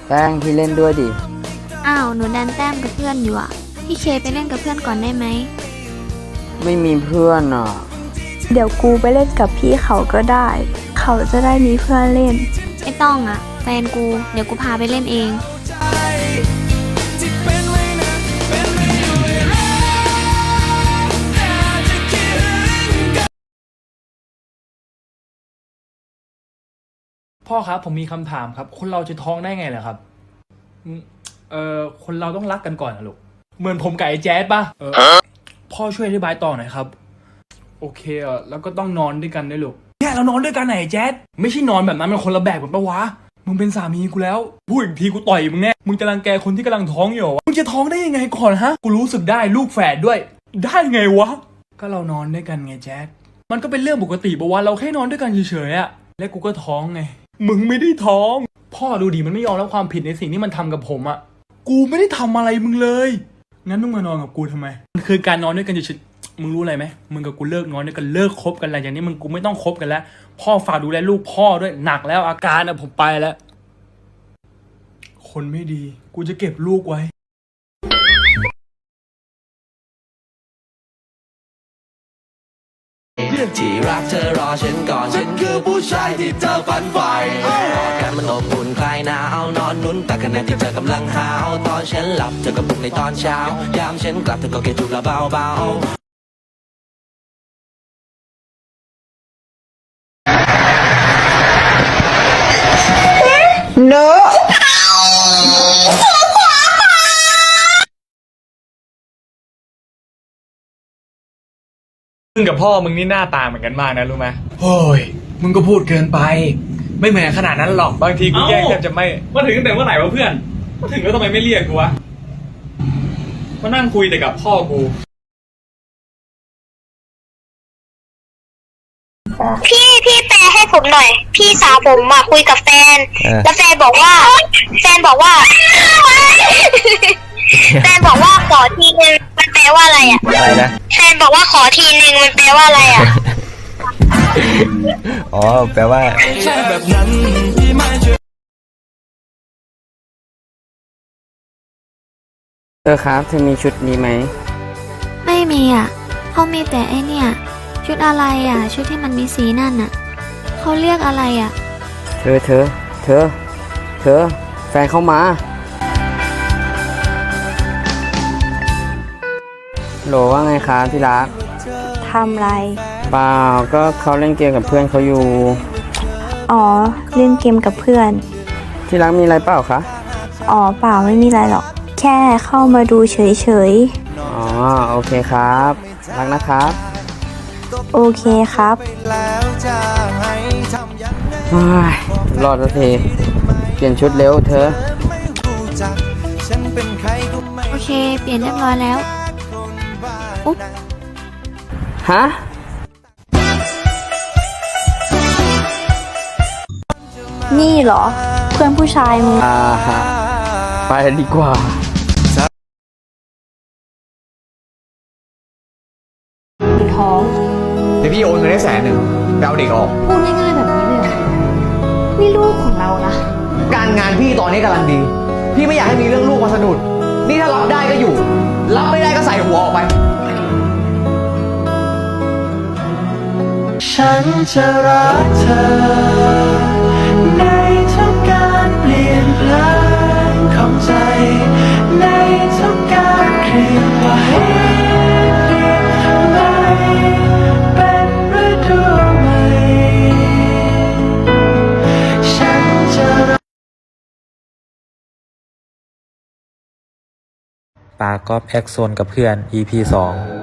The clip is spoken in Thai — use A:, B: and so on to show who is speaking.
A: แป้งพี่เล่นด้วยดิ
B: อ้าวหนูดันแต้มกับเพื่อนอยู่อ่ะพี่เคไปเล่นกับเพื่อนก่อนได้ไหม
A: ไม่มีเพื่อนอ่ะ
C: เดี๋ยวกูไปเล่นกับพี่เขาก็ได้เขาจะได้มีเพื่อนเล่น
B: ไม่ต้องอ่ะแฟนกูเดี๋ยวกูพาไปเล่นเอง
D: พ่อครับผมมีคำถามครับคนเราจะท้องได้ไงเหรอครับคนเราต้องรักกันก่อนนะลูกเหมือนผมกับไอ้แจ๊ดป่ะพ่อช่วยอธิบายต่อหน่อยครับโอเคแล้วก็ต้องนอนด้วยกันด้วยลูกเนี่ยเรานอนด้วยกันไหนแจ๊ดไม่ใช่นอนแบบนั้นมันคนละแบบกันปะวะมึงเป็นสามีกูแล้วพูดอีกทีกูต่อยมึงแน่มึงจะรังแกคนที่กำลังท้องอยู่มึงจะท้องได้ยังไงก่อนฮะกูรู้สึกได้ลูกแฝดด้วยได้ไงวะก็เรานอนด้วยกันไงแจ๊ดมันก็เป็นเรื่องปกติปะวะเราแค่นอนด้วยกันเฉยๆอะและกูก็ท้องไงมึงไม่ได้ท้องพ่อดูดิมันไม่ยอมรับความผิดในสิ่งที่มันทำกับผมอะกูไม่ได้ทำอะไรมึงเลยงั้นมึงมานอนกับกูทำไมมันคือการนอนด้วยกันเฉยๆมึงรู้อะไรไหมมึงกับกูเลิกนอนด้วยกันเลิกคบกันอะไรอย่างนี้มึงกูไม่ต้องคบกันแล้วพ่อฝากดูแลลูกพ่อด้วยหนักแล้วอาการอะผมไปแล้วคนไม่ดีกูจะเก็บลูกไว้
E: ที่รักเธอรอฉันก่อนฉันคือผู้ชายที่เธอฝันใฝ่กอดกันมันอบอุ่นคลายหนาวนอนนุ่นแต่ขณะที่เธอกำลังหาวตอนฉันหลับเธอก็ปลุกในตอนเช้ายามฉันกลับเธอก็แค่จูบละเบา
A: เนอะ
D: มึงกับพ่อมึงนี่หน้าตาเหมือนกันมากนะรู้ไหมโอ้ยมึงก็พูดเกินไปไม่เหมือนขนาดนั้นหรอกบางทีกูแย่งแทบจะไม่มาถึงตั้งแต่เมื่อไหร่วะเพื่อนมาถึงแล้วทำไมไม่เรียกกูวะมานั่งคุยแต่กับพ่อกู
F: พี่แปลให้ผมหน่อยพี่สาวผมมาคุยกับแฟนแล้วแฟนบอกว่าแฟนบอกว่าขอทีนึงมันแปลว่าอะไรอ่ะ
A: อะไรนะ
F: แฟนบอกว่าขอทีนึงมันแปลว่าอะไรอ่ะ
A: อ๋อแปลว่า
E: ใช่แบบนั้นที่ไม่เชื่อ
A: ครับเธอมีชุดนี้ไหม
B: ไม่มีอ่ะเขามีแต่ไอเนี่ยชุดอะไรอ่ะชุดที่มันมีสีนั่นอ่ะเขาเรียกอะไรอ่ะ
A: เธอแฟนเข้ามาโหลว่าไงครับที่รัก
C: ทำไร
A: เปล่าก็เขาเล่นเกมกับเพื่อนเขาอยู่
C: อ๋อเล่นเกมกับเพื่อน
A: ที่รักมีอะไรเปล่าคะ
C: อ๋อเปล่าไม่มีอะไรหรอกแค่เข้ามาดูเฉย
A: อ๋อโอเคครับรักนะครับ
C: โอเคครับ
A: รอดสักทีเปลี่ยนชุดเร็วเธอ
B: โอเคเปลี่ยนเรียบร้อยแล้วอุ๊บ
A: ฮะ
C: นี่เหรอเพื่อนผู้ชายมึง
A: ฮะไปดีกว่า
C: ท้อง
G: เดี๋ยวพี่โอนเงินได้100,000ไปเอาเด็กออก
C: พูดง่ายๆแบบนี้เลยเหรอนี่ลูกของเรานะ
G: การงานพี่ตอนนี้กำลังดีพี่ไม่อยากให้มีเรื่องลูกมาสะดุดนี่ถ้ารับได้ก็อยู่รับไม่ได้ก็ใส่หัวออกไป
E: ฉันจะรักเธอในทุกการเปลี่ยนแปลงของใจในทุกการเคลื่อนไหวเป็นฤดูใหม่ฉันจะ
H: ปากก๊อฟแอคโซนกับเพื่อน EP 2